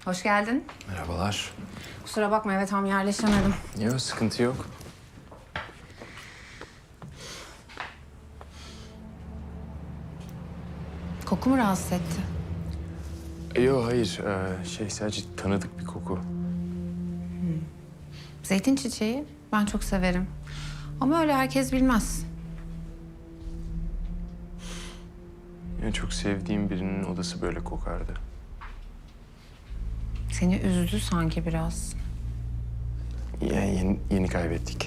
Hoş geldin. Merhabalar. Kusura bakma eve tam yerleşemedim. Yok, sıkıntı yok. Koku mu rahatsız etti? Yok, hayır. Sadece tanıdık bir koku. Zeytin çiçeği ben çok severim. Ama öyle herkes bilmez. Yani çok sevdiğim birinin odası böyle kokardı. Seni üzdü sanki biraz. Yani yeni kaybettik.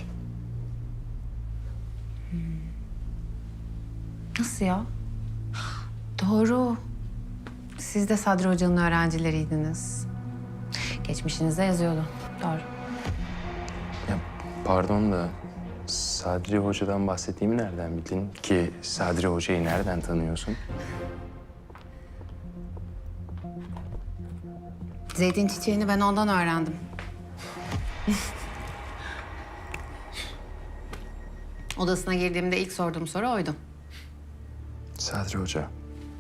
Nasıl ya? Doğru. Siz de Sadri Hoca'nın öğrencileriydiniz. Geçmişinizde yazıyordu. Doğru. Ya pardon da Sadri Hoca'dan bahsettiğimi nereden bildin ki? Sadri Hoca'yı nereden tanıyorsun? Zeytin çiçeğini ben ondan öğrendim. Odasına girdiğimde ilk sorduğum soru oydu. Sadri Hoca.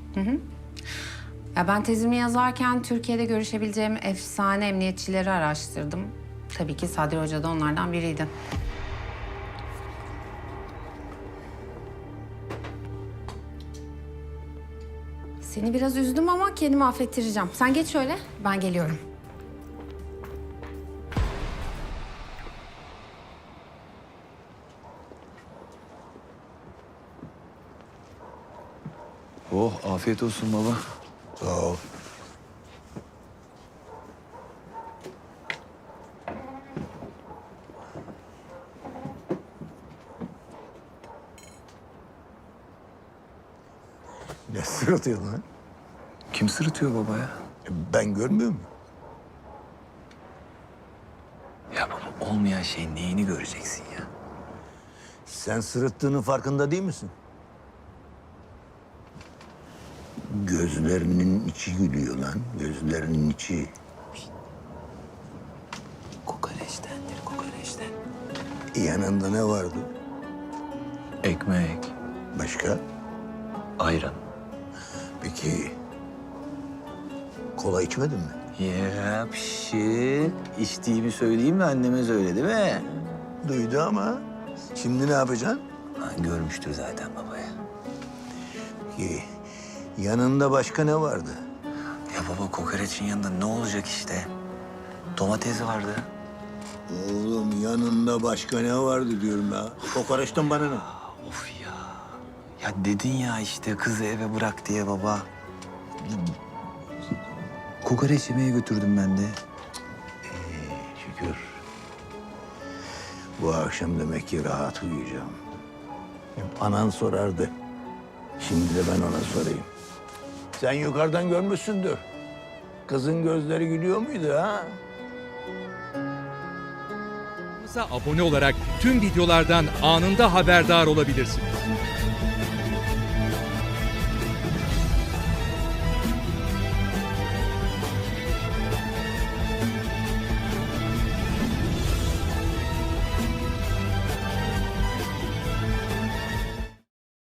Ya ben tezimi yazarken Türkiye'de görüşebileceğim efsane emniyetçileri araştırdım. Tabii ki Sadri Hoca da onlardan biriydi. Seni biraz üzdüm ama kendimi affettireceğim. Sen geç şöyle, ben geliyorum. Oh, afiyet olsun baba. Sağ ol. Ne sırıtıyor lan? Kim sırıtıyor baba ya? Ben görmüyor muyum? Ya baba, olmayan şeyin neyini göreceksin ya? Sen sırıttığının farkında değil misin? Gözlerinin içi gülüyor lan. Gözlerinin içi. Kokoreçtendir, kokoreçten. Yanında ne vardı? Ekmek, Başka? ayran. Peki kola içmedin mi? Ya pişi. İçtiğimi söyleyeyim mi? Anneme söyledi mi? Duydu ama. Şimdi ne yapacaksın? Ha, görmüştür zaten baba ya. Peki yanında başka ne vardı? Ya baba, kokoreçin yanında ne olacak işte? Domates vardı. Oğlum yanında başka ne vardı diyorum ya. Kokoreçten bana ne? Of ya. Ya dedin ya işte kızı eve bırak diye baba. Kokoreç yemeye götürdüm ben de. Şükür. Bu akşam demek ki rahat uyuyacağım. Anan sorardı. Şimdi de ben ona sorayım. Sen yukarıdan görmüşsündür. Kızın gözleri gülüyor muydu ha? Kanalımıza abone olarak tüm videolardan anında haberdar olabilirsiniz.